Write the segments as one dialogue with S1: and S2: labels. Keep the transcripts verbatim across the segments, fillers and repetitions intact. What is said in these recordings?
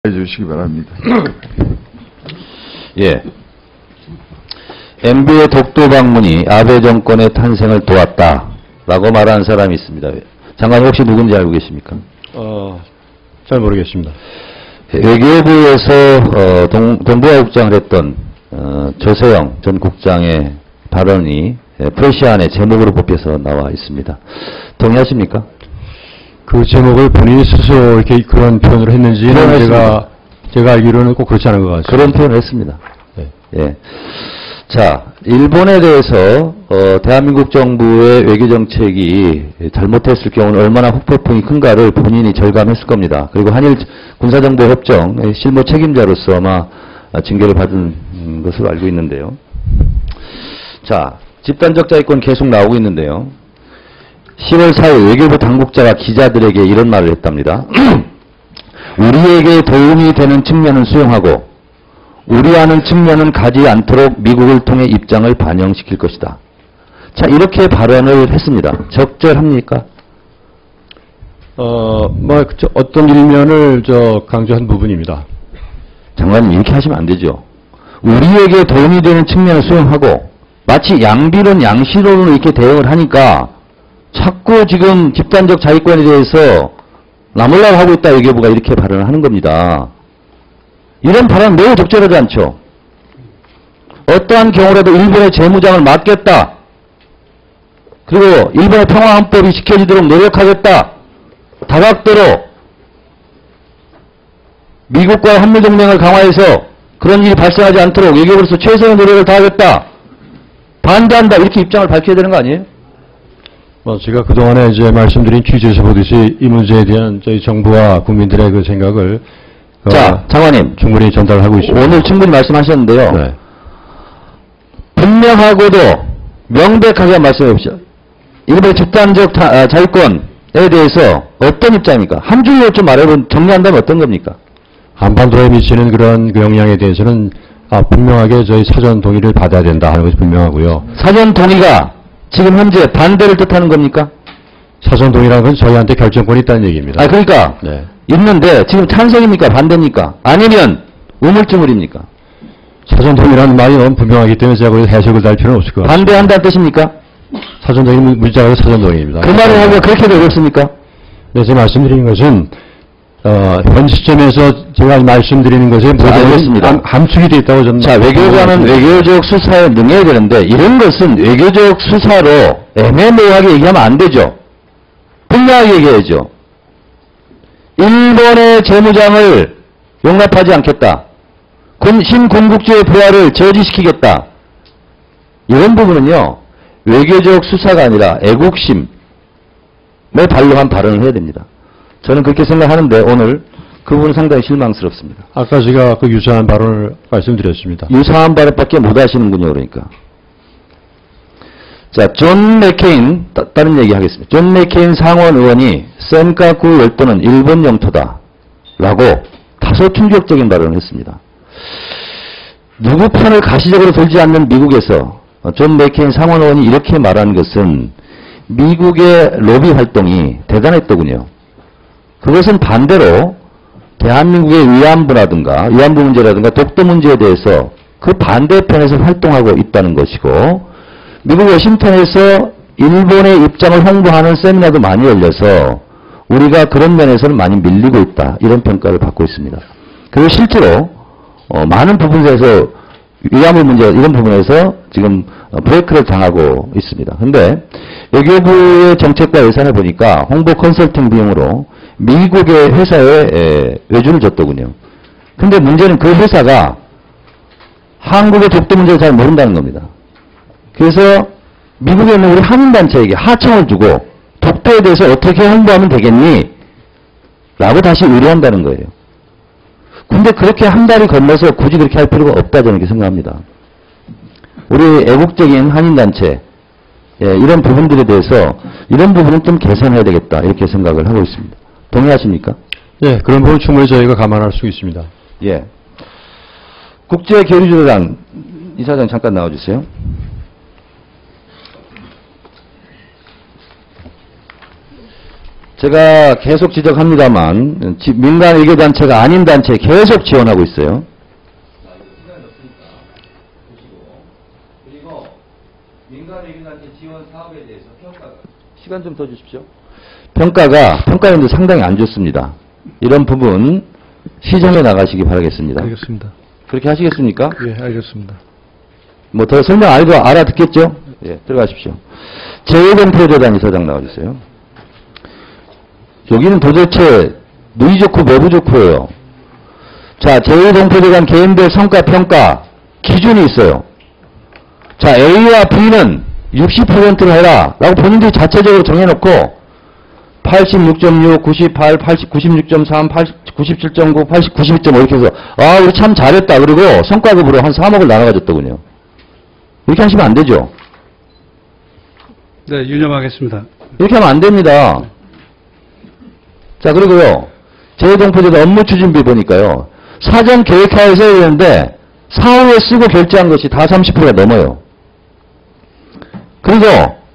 S1: 해주시기 바랍니다.
S2: 예. 엠비의 독도 방문이 아베 정권의 탄생을 도왔다라고 말하는 사람이 있습니다. 장관님 혹시 누군지 알고 계십니까?
S3: 어, 잘 모르겠습니다.
S2: 외교부에서 어, 동, 동부화국장을 했던 어, 조세영 전 국장의 발언이 프레시안의 제목으로 뽑혀서 나와 있습니다. 동의하십니까?
S3: 그 제목을 본인이 스스로 이렇게 그런 표현을 했는지는 제가, 제가 알기로는 꼭 그렇지 않은 것 같습니다.
S2: 그런 표현을 했습니다.
S3: 네.
S2: 예. 자, 일본에 대해서 어, 대한민국 정부의 외교 정책이 잘못했을 경우는 얼마나 후폭풍이 큰가를 본인이 절감했을 겁니다. 그리고 한일 군사정보 협정 실무 책임자로서 아마 징계를 받은 것으로 알고 있는데요. 자, 집단적 자위권 계속 나오고 있는데요. 시월 사일 외교부 당국자가 기자들에게 이런 말을 했답니다. 우리에게 도움이 되는 측면은 수용하고 우려하는 측면은 가지 않도록 미국을 통해 입장을 반영시킬 것이다. 자, 이렇게 발언을 했습니다. 적절합니까?
S3: 어, 뭐, 저, 어떤 일면을 저 강조한 부분입니다.
S2: 장관님, 이렇게 하시면 안 되죠. 우리에게 도움이 되는 측면을 수용하고 마치 양비론, 양시론으로 이렇게 대응을 하니까 자꾸 지금 집단적 자위권에 대해서 나몰라고 하고 있다 외교부가 이렇게 발언을 하는 겁니다. 이런 발언은 매우 적절하지 않죠. 어떠한 경우라도 일본의 재무장을 막겠다. 그리고 일본의 평화헌법이 지켜지도록 노력하겠다. 다각도로 미국과의 한미동맹을 강화해서 그런 일이 발생하지 않도록 외교부로서 최선의 노력을 다하겠다. 반대한다. 이렇게 입장을 밝혀야 되는 거 아니에요?
S3: 뭐, 제가 그동안에 이제 말씀드린 취지에서 보듯이 이 문제에 대한 저희 정부와 국민들의 그 생각을
S2: 자,
S3: 어,
S2: 장관님.
S3: 충분히 전달하고 있습니다.
S2: 오늘 충분히 말씀하셨는데요.
S3: 네.
S2: 분명하고도 명백하게 말씀해 보십시오. 일본의 집단적 타, 아, 자위권에 대해서 어떤 입장입니까? 한 줄로 좀 말해보면 정리한다면 어떤 겁니까?
S3: 한반도에 미치는 그런 그 영향에 대해서는 아, 분명하게 저희 사전 동의를 받아야 된다 하는 것이 분명하고요.
S2: 사전 동의가 지금 현재 반대를 뜻하는 겁니까?
S3: 사전 동의라는 건 저희한테 결정권이 있다는 얘기입니다.
S2: 아, 그러니까
S3: 네.
S2: 있는데 지금 찬성입니까? 반대입니까? 아니면 우물쭈물입니까?
S3: 사전 동의라는 말이 너무 분명하기 때문에 제가 거기서 해석을 달 필요는 없을 것 같습니다.
S2: 반대한다는 뜻입니까?
S3: 사전 동의 문자가 사전 동의입니다.
S2: 그 말을 하기가 그렇게 어렵습니까?
S3: 네, 제가 말씀드리는 것은 어, 현 시점에서 제가 말씀드리는 것에 모든 함축이 되어 있다고 저는.
S2: 자, 외교관은 외교적 수사에 능해야 되는데 이런 것은 외교적 수사로 애매모호하게 얘기하면 안 되죠. 분명하게 얘기해야죠. 일본의 재무장을 용납하지 않겠다. 군, 신군국주의 부활을 저지시키겠다. 이런 부분은요. 외교적 수사가 아니라 애국심에 반론한 발언을 해야 됩니다. 저는 그렇게 생각하는데 오늘 그 부분은 상당히 실망스럽습니다.
S3: 아까 제가 그 유사한 발언을 말씀드렸습니다.
S2: 유사한 발언밖에 못 하시는군요. 그러니까. 자, 존 맥케인, 따, 다른 얘기 하겠습니다. 존 맥케인 상원 의원이 센카쿠 열도는 일본 영토다 라고 다소 충격적인 발언을 했습니다. 누구 편을 가시적으로 돌지 않는 미국에서 존 맥케인 상원 의원이 이렇게 말한 것은 미국의 로비 활동이 대단했더군요. 그것은 반대로 대한민국의 위안부라든가 위안부 문제라든가 독도 문제에 대해서 그 반대편에서 활동하고 있다는 것이고 미국 워싱턴에서 일본의 입장을 홍보하는 세미나도 많이 열려서 우리가 그런 면에서는 많이 밀리고 있다. 이런 평가를 받고 있습니다. 그리고 실제로 어, 많은 부분에서 위안부 문제 이런 부분에서 지금 브레이크를 당하고 있습니다. 그런데 외교부의 정책과 예산을 보니까 홍보 컨설팅 비용으로 미국의 회사에 에, 외주를 줬더군요. 근데 문제는 그 회사가 한국의 독도 문제를 잘 모른다는 겁니다. 그래서 미국에 있는 우리 한인단체에게 하청을 주고 독도에 대해서 어떻게 홍보하면 되겠니? 라고 다시 의뢰한다는 거예요. 근데 그렇게 한 달이 건너서 굳이 그렇게 할 필요가 없다 저는 이렇게 생각합니다. 우리 애국적인 한인단체 예, 이런 부분들에 대해서 이런 부분은 좀 개선해야 되겠다 이렇게 생각을 하고 있습니다. 동의하십니까?
S3: 네, 그런 부분 충분히 저희가 감안할 수 있습니다.
S2: 예. 국제교류조단 이사장 잠깐 나와주세요. 제가 계속 지적합니다만 지- 민간 외교단체가 아닌 단체에 계속 지원하고 있어요. 시간이 없으니까 보시고. 그리고 민간 외교단체 지원 사업에 대해서 평가가 시간 좀 더 주십시오. 평가가 평가인도 상당히 안 좋습니다. 이런 부분 시정해 나가시기 바라겠습니다.
S3: 알겠습니다.
S2: 그렇게 하시겠습니까?
S3: 예, 알겠습니다.
S2: 뭐 더 설명 안 해도 알아듣겠죠? 예, 들어가십시오. 재외동포재단 이사장 나와주세요. 여기는 도대체 누이 좋고 매부 좋고예요. 자, 재외동포재단 개인별 성과 평가 기준이 있어요. 자, A와 B는 육십 퍼센트를 해라 라고 본인들이 자체적으로 정해놓고 팔십육 점 육, 구십팔, 팔십, 구십육 점 삼, 팔십, 구십칠 점 구, 팔십, 구십이 점 오 이렇게 해서 아 우리 참 잘했다 그리고 성과급으로 한 삼억을 나눠가졌더군요. 이렇게 하시면 안 되죠.
S1: 네, 유념하겠습니다.
S2: 이렇게 하면 안 됩니다. 자, 그리고요. 재외동포재단 업무 추진비 보니까요. 사전 계획하에서 해야 되는데 사후에 쓰고 결제한 것이 다 삼십 퍼센트가 넘어요. 그리고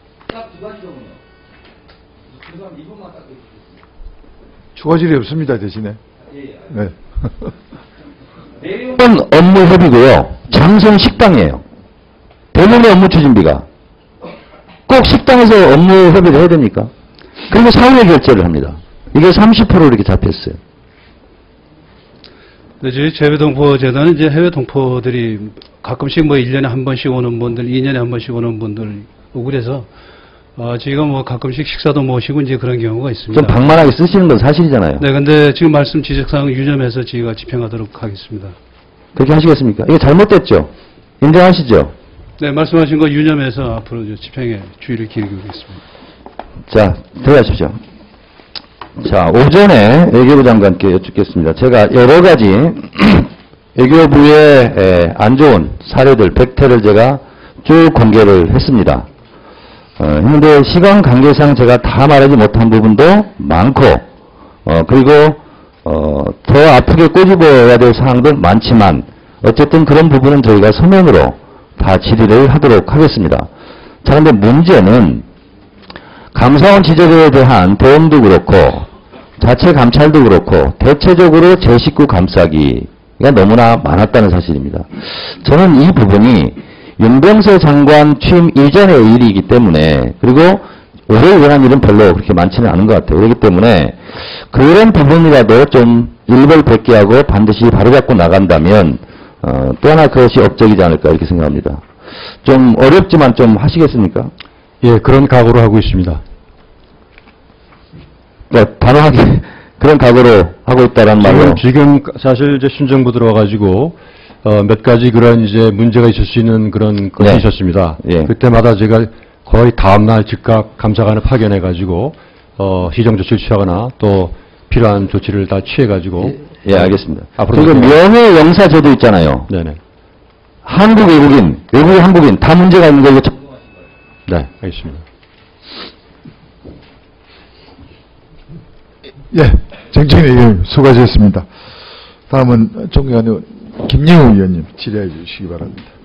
S4: 추가질이 없습니다, 대신에. 네.
S2: 내용은 업무 협의고요. 장소는 식당이에요. 대부분의 업무 추진비가. 꼭 식당에서 업무 협의를 해야 됩니까? 그리고 사후에 결제를 합니다. 이게 삼십 퍼센트 이렇게 잡혔어요.
S1: 네, 저희 재외동포재단은 이제 해외 동포들이 가끔씩 뭐 일 년에 한 번씩 오는 분들, 이 년에 한 번씩 오는 분들 오고 그래서 어, 저희가 뭐 가끔씩 식사도 모시고 이제 그런 경우가 있습니다.
S2: 좀 방만하게 쓰시는 건 사실이잖아요.
S1: 네, 근데 지금 말씀 지적사항 유념해서 저희가 집행하도록 하겠습니다.
S2: 그렇게 하시겠습니까? 이게 잘못됐죠? 인정하시죠?
S1: 네, 말씀하신 거 유념해서 앞으로 저 집행에 주의를 기울이겠습니다.
S2: 자, 들어가십시오. 자, 오전에 외교부 장관께 여쭙겠습니다. 제가 여러 가지 외교부의 에, 안 좋은 사례들, 백태를 제가 쭉 공개를 했습니다. 어, 근데 시간 관계상 제가 다 말하지 못한 부분도 많고, 어, 그리고, 어, 더 아프게 꼬집어야 될 사항들 많지만, 어쨌든 그런 부분은 저희가 서면으로 다 질의를 하도록 하겠습니다. 자, 근데 문제는, 감사원 지적에 대한 도움도 그렇고, 자체 감찰도 그렇고, 대체적으로 제 식구 감싸기가 너무나 많았다는 사실입니다. 저는 이 부분이 윤병세 장관 취임 이전의 일이기 때문에, 그리고 올해 일어난 일은 별로 그렇게 많지는 않은 것 같아요. 그렇기 때문에 그런 부분이라도 좀 일벌백계하고 반드시 바로잡고 나간다면 어, 또 하나 그것이 업적이지 않을까 이렇게 생각합니다. 좀 어렵지만 좀 하시겠습니까?
S3: 예, 그런 각오로 하고 있습니다.
S2: 그러니까 단호하게 그런 각오로 하고 있다는 말로.
S3: 지금, 지금 사실 이제 신정부 들어와가지고 어, 몇 가지 그런 이제 문제가 있을 수 있는 그런 것이
S2: 네.
S3: 있었습니다.
S2: 예.
S3: 그때마다 제가 거의 다음날 즉각 감사관을 파견해가지고 어, 시정 조치를 취하거나 또 필요한 조치를 다 취해가지고.
S2: 예, 예, 알겠습니다.
S3: 앞으로
S2: 그리고 명예 영사 제도 있잖아요.
S3: 네네.
S2: 한국 외국인, 외국인 한국인 다 문제가 있는 거 이거.
S3: 네, 알겠습니다.
S4: 예, 정청래 의원님 수고하셨습니다. 다음은 존경하는 김영우 의원님 질의해 주시기 바랍니다.